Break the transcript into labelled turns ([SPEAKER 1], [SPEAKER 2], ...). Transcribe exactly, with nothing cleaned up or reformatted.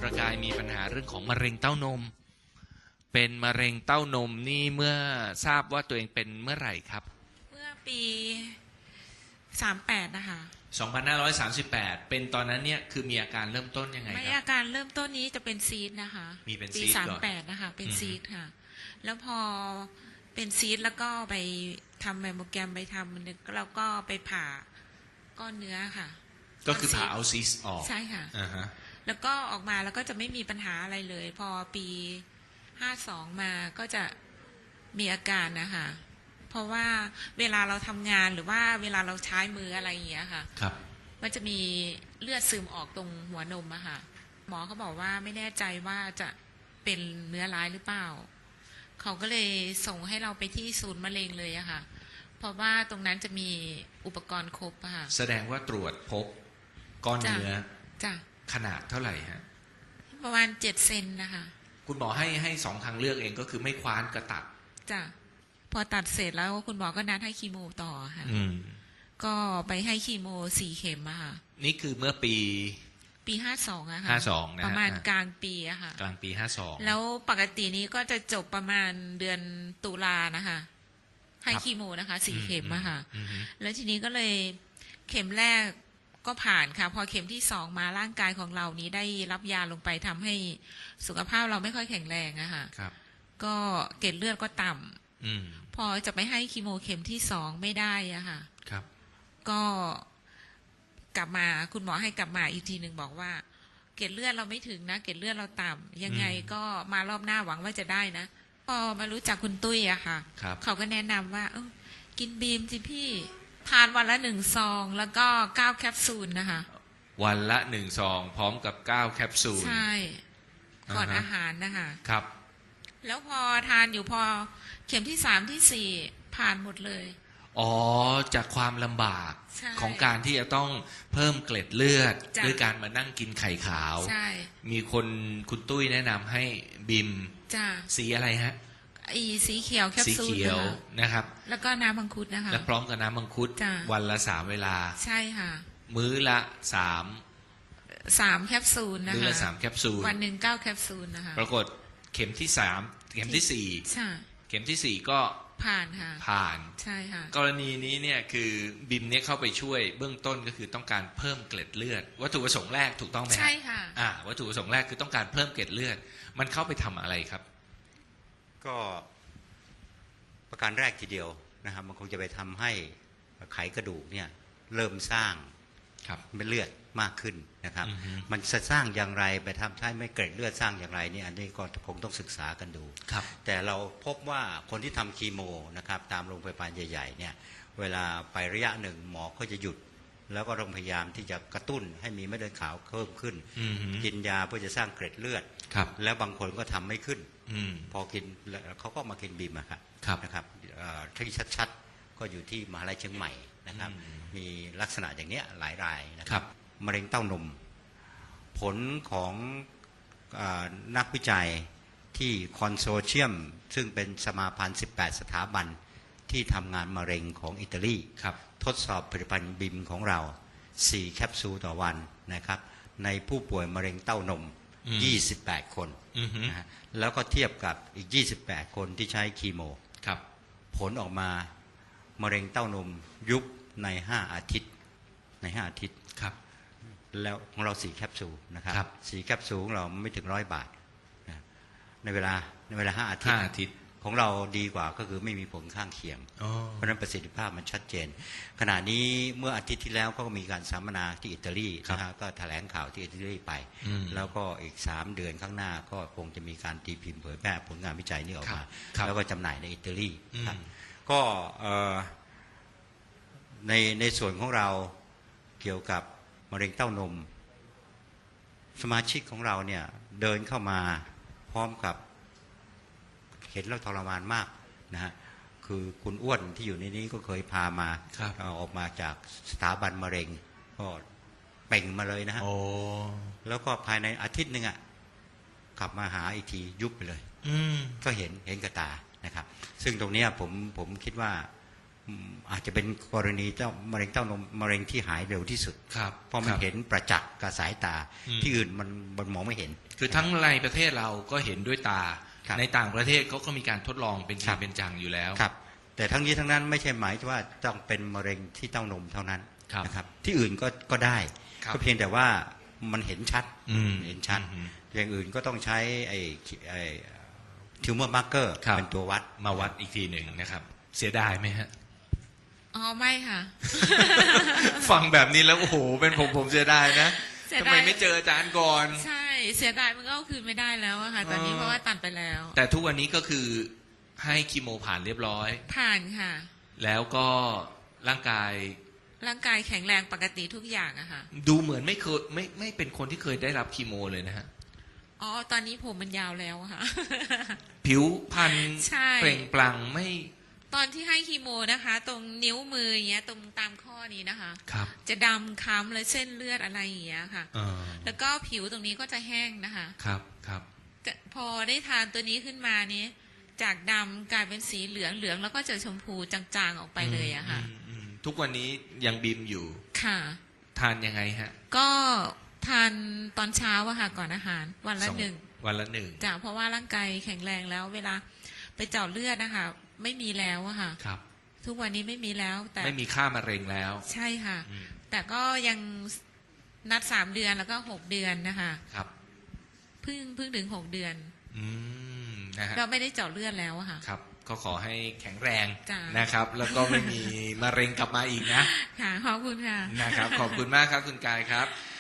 [SPEAKER 1] ประกายมีปัญหาเรื่องของมะเร็งเต้านมเป็นมะเร็งเต้านมนี่เมื่อทราบว่าตัวเองเป็นเมื่อไหร่ครับ
[SPEAKER 2] เมื่อปีสามแปดนะคะ
[SPEAKER 1] สองพันห้าร้อยสามสิบแปดเป็นตอนนั้นเนี่ยคือมีอาการเริ่มต้นยังไงครับ
[SPEAKER 2] ไม่อาการเริ่มต้นนี้จะเป็นซีดนะคะ
[SPEAKER 1] มีเป็น
[SPEAKER 2] ปี
[SPEAKER 1] ซีด
[SPEAKER 2] สามแปดนะคะเป็นซีดค่ะแล้วพอเป็นซีดแล้วก็ไปทำแมมโมแกรมไปทำนึกแล้วก็ไปผ่าก้อนเนื้อค่ะ
[SPEAKER 1] ก็คือผ่าเอาซีสออก
[SPEAKER 2] ใช่ค่ะ
[SPEAKER 1] อ่าฮะ
[SPEAKER 2] แล้วก็ออกมาแล้วก็จะไม่มีปัญหาอะไรเลย พอปีห้าสองมาก็จะมีอาการนะคะเพราะว่าเวลาเราทำงานหรือว่าเวลาเราใช้มืออะไรอย่างเงี้ยค่ะ
[SPEAKER 1] ครับ
[SPEAKER 2] มันจะมีเลือดซึมออกตรงหัวนมอะค่ะหมอเขาบอกว่าไม่แน่ใจว่าจะเป็นเนื้อร้ายหรือเปล่าเขาก็เลยส่งให้เราไปที่ศูนย์มะเร็งเลยอะค่ะเพราะว่าตรงนั้นจะมีอุปกรณ์ครบอะค่ะ
[SPEAKER 1] แสดงว่าตรวจพบก้อนเนื้อ
[SPEAKER 2] จ้ะ
[SPEAKER 1] ขนาดเท่าไหร่ฮะ
[SPEAKER 2] ประมาณเจ็ดเซนนะคะ
[SPEAKER 1] คุณหมอให้ให้สองทางเลือกเองก็คือไม่คว้านกระตัด
[SPEAKER 2] จ้ะพอตัดเสร็จแล้วคุณหมอก็นัดให้คีโมต่อค่ะ
[SPEAKER 1] อืม
[SPEAKER 2] ก็ไปให้คีโมสี่เข็มอะค่ะ
[SPEAKER 1] นี่คือเมื่อปี
[SPEAKER 2] ปีห้าสองอะค่ะ
[SPEAKER 1] ห้าสองนะ
[SPEAKER 2] ประมาณกลางปีอะค่ะ
[SPEAKER 1] กลางปีห้าสอง
[SPEAKER 2] แล้วปกตินี้ก็จะจบประมาณเดือนตุลานะคะให้คีโมนะคะสี่เข็มอะค่ะแล้วทีนี้ก็เลยเข็มแรกก็ผ่านค่ะพอเข็มที่สองมาร่างกายของเรานี้ได้รับยาลงไปทำให้สุขภาพเราไม่ค่อยแข็งแรงอะค่ะก็เกล็ดเลือดก็ต่ำพอจะไปให้คีโมเข็มที่สองไม่ได้อะค่ะก็กลับมาคุณหมอให้กลับมาอีกทีหนึ่งบอกว่าเกล็ดเลือดเราไม่ถึงนะเกล็ดเลือดเราต่ำยังไงก็มารอบหน้าหวังว่าจะได้นะพอมารู้จักคุณตุ้ยอะค่ะเขาก็แนะนำว่าเออกินบีมสิพี่ทานวันละหนึ่งซองแล้วก็เก้าแคปซูลนะคะ
[SPEAKER 1] วันละหนึ่งซองพร้อมกับเก้าแคปซูล
[SPEAKER 2] ใช่ก่อนอาหารนะคะ
[SPEAKER 1] ครับ
[SPEAKER 2] แล้วพอทานอยู่พอเข็มที่สามที่สี่ผ่านหมดเลย
[SPEAKER 1] อ๋อจากความลำบากของการที่จะต้องเพิ่มเกล็ดเลือดด้วยการมานั่งกินไข่ขาวมีคนคุณตุ้ยแนะนำให้บิมสีอะไรฮะ
[SPEAKER 2] อีสีเขียวแคปซูล
[SPEAKER 1] สีเขียวนะครับ
[SPEAKER 2] แล้วก็น้ำมังคุดนะคะ
[SPEAKER 1] และพร้อมกับน้ำมังคุดวันละสามเวลา
[SPEAKER 2] ใช่ค่ะ
[SPEAKER 1] มื้อละสาม
[SPEAKER 2] สามแคปซูลนะคะ
[SPEAKER 1] มื้อละสามแคปซูล
[SPEAKER 2] วันหนึ่งเก้าแคปซูลนะคะ
[SPEAKER 1] ปรากฏเข็มที่สามเข็มที่สี่เข็มที่สี่ก็
[SPEAKER 2] ผ่านค่ะ
[SPEAKER 1] ผ่าน
[SPEAKER 2] ใช่ค่ะ
[SPEAKER 1] กรณีนี้เนี่ยคือบิมเนี่ยเข้าไปช่วยเบื้องต้นก็คือต้องการเพิ่มเกล็ดเลือดวัตถุประสงค์แรกถูกต้องไหม
[SPEAKER 2] ใช่ค่ะ
[SPEAKER 1] อ่าวัตถุประสงค์แรกคือต้องการเพิ่มเกล็ดเลือดมันเข้าไปทำอะไรครับ
[SPEAKER 3] ก็ประการแรกทีเดียวนะครับมันคงจะไปทำให้ไขกระดูกเนี่ยเริ่มสร้างเป็นเลือดมากขึ้นนะครับมันจะสร้างอย่างไรไปทำให้ไม่เกล็ดเลือดสร้างอย่างไรนี่อันนี้ก็คงต้องศึกษากันดูแต่เราพบว่าคนที่ทำคีโมนะครับตามโรงพยาบาลใหญ่ๆเนี่ยเวลาไประยะหนึ่งหมอก็จะหยุดแล้วก็ต้องพยายามที่จะกระตุ้นให้มีเม็ดเลือดขาวเพิ่มขึ้นกินยาเพื่อจะสร้างเกล็ดเลือดแล้วบางคนก็ทำไม่ขึ้นพอกินเขาก็มากินบีมนะครับนะครับที่ชัดๆก็อยู่ที่มหาลัยเชียงใหม่นะครับมีลักษณะอย่างนี้หลายรายนะครับมะเร็งเต้านมผลของนักวิจัยที่คอนโซเชียมซึ่งเป็นสมาพันธ์สิบแปดสถาบันที่ทำงานมะเร็งของอิตาลีทดสอบผลิตภัณฑ์บิมของเราสี่แคปซูลต่อวันนะครับในผู้ป่วยมะเร็งเต้านมยี่สิบแปดคนนะฮะแล้วก็เทียบกับอีกยี่สิบแปดคนที่ใช้คีโมผลออกมามะเร็งเต้านมยุบในห้าอาทิตย์ในห้าอาทิตย์แล้วของเราสี่แคปซูลนะครับสี่แคปซูลของเราไม่ถึงร้อยบาทในเวลาในเวลาห้าอาทิตย์ของเราดีกว่าก็คือไม่มีผลข้างเคียงเพราะฉะนั้นประสิทธิภาพมันชัดเจนขณะนี้เมื่ออาทิตย์ที่แล้วก็มีการสัมมนาที่อิตาลีนะฮะก็แถลงข่าวที่อิตาลีไปแล้วก็อีกสามเดือนข้างหน้าก็คงจะมีการตีพิมพ์เผยแพร่ผลงานวิจัยนี้ออกมาแล้วก็จำหน่ายในอิตาลีครับก็ในในส่วนของเราเกี่ยวกับมะเร็งเต้านมสมาชิกของเราเนี่ยเดินเข้ามาพร้อมกับเห็นแล้วทรมานมากนะฮะคือคุณอ้วนที่อยู่ในนี้ก็เคยพามาออกมาจากสถาบันมะเร็งก็เป่งมาเลยนะฮะแล้วก็ภายในอาทิตย์หนึ่งอ่ะกลับมาหาอีกทียุบไปเลยก็เห็นเห็นกระตานะครับซึ่งตรงนี้ผมผมคิดว่าอืมอาจจะเป็นกรณีเจ้ามะเร็งเต้านมมะเร็งที่หายเร็วที่สุด
[SPEAKER 1] ครับ
[SPEAKER 3] เพราะมัน
[SPEAKER 1] ครับ
[SPEAKER 3] เห็นประจักษ์กับสายตา
[SPEAKER 1] อืม
[SPEAKER 3] ที่อื่นมันมันมองไม่เห็น
[SPEAKER 1] คือทั้งในประเทศเราก็เห็นด้วยตา
[SPEAKER 3] ครับ
[SPEAKER 1] ในต่างประเทศเขาก็มีการทดลองเป็นจ
[SPEAKER 3] ครั
[SPEAKER 1] ริง
[SPEAKER 3] บ
[SPEAKER 1] เป็นจังอยู่แล้ว
[SPEAKER 3] ครับแต่ทั้งนี้ทั้งนั้นไม่ใช่หมายว่าต้องเป็นมะเร็งที่เต้านมเท่านั้น
[SPEAKER 1] ครับ
[SPEAKER 3] นะครับที่อื่นก็ก็ได้
[SPEAKER 1] ครับ
[SPEAKER 3] ก็เพียงแต่ว่ามันเห็นชัด
[SPEAKER 1] อืม
[SPEAKER 3] เห็นชัด
[SPEAKER 1] อืม
[SPEAKER 3] อย่างอื่นก็ต้องใช้ไอ้ไอ้ทิวเมอร์มาร์เกอร์
[SPEAKER 1] ครับ
[SPEAKER 3] เป็นตัววัด
[SPEAKER 1] มาวัดอีกทีหนึ่งนะครับ เสียดายไหมฮะ
[SPEAKER 2] อ๋อไม่ค่ะ
[SPEAKER 1] ฟังแบบนี้แล้วโอ้โหเป็นผมผมเสียดายนะ
[SPEAKER 2] เสีย
[SPEAKER 1] ทำ
[SPEAKER 2] ดาย
[SPEAKER 1] ไมไม่เจออาจารย์ก่อน
[SPEAKER 2] ใช่เสียดายมันก็เอาคืนไม่ได้แล้วอะค่ะ ตอนนี้
[SPEAKER 1] เออ
[SPEAKER 2] เพราะว่าตัดไปแล้ว
[SPEAKER 1] แต่ทุกวันนี้ก็คือให้คีโมผ่านเรียบร้อย
[SPEAKER 2] ผ่านค่ะ
[SPEAKER 1] แล้วก็ร่างกาย
[SPEAKER 2] ร่างกายแข็งแรงปกติทุกอย่างอะค่ะ
[SPEAKER 1] ดูเหมือนไม่เคยไม่ไม่เป็นคนที่เคยได้รับคีโมเลยนะฮะ
[SPEAKER 2] อ๋อตอนนี้ผมมันยาวแล้วอะค่ะ
[SPEAKER 1] ผิวพรรณ
[SPEAKER 2] ใช่
[SPEAKER 1] เปล่งปลั่งไม่
[SPEAKER 2] ตอนที่ให้คีโมนะคะ ตรงนิ้วมืออย่างเงี้ยตรงตามข้อนี้นะคะ
[SPEAKER 1] ครับ
[SPEAKER 2] จะดำค้ำและเส้นเลือดอะไรอย่างเงี้ยค่ะ
[SPEAKER 1] เออ
[SPEAKER 2] แล้วก็ผิวตรงนี้ก็จะแห้งนะคะ
[SPEAKER 1] ครับครับ
[SPEAKER 2] จะพอได้ทานตัวนี้ขึ้นมานี้จากดำกลายเป็นสีเหลืองเหลืองแล้วก็จะชมพูจางๆออกไปเลยอะค่ะ
[SPEAKER 1] อืมอืมทุกวันนี้ยังบีมอยู่
[SPEAKER 2] ค่ะ
[SPEAKER 1] ทานยังไงฮะ
[SPEAKER 2] ก็ทานตอนเช้าอะค่ะก่อนอาหารวันละ
[SPEAKER 1] สอง
[SPEAKER 2] หนึ่ง
[SPEAKER 1] วันละหนึ่ง
[SPEAKER 2] จ้ะเพราะว่าร่างกายแข็งแรงแล้ว เวลาไปเจาะเลือดนะคะไม่มีแล้วอะค่ะ
[SPEAKER 1] ครับ
[SPEAKER 2] ทุกวันนี้ไม่มีแล้ว แต่
[SPEAKER 1] ไม่มีค่ามะเร็งแล้ว
[SPEAKER 2] ใช่ค่ะ
[SPEAKER 1] อืม
[SPEAKER 2] แต่ก็ยังนัดสามเดือนแล้วก็หกเดือนนะคะ
[SPEAKER 1] ครับ
[SPEAKER 2] เพิ่งเพิ่งถึงหกเดือน
[SPEAKER 1] อืมนะฮะ
[SPEAKER 2] เราไม่ได้เจาะเลือดแล้วอะค่ะ
[SPEAKER 1] ครับ ก็ขอให้แข็งแรง
[SPEAKER 2] จ้ะ
[SPEAKER 1] นะครับ แล้วก็ไม่มีมะเร็งกลับมาอีกนะ
[SPEAKER 2] ค่ะขอบคุณค่ะ
[SPEAKER 1] นะครับ ขอบคุณมากครับคุณกายครับ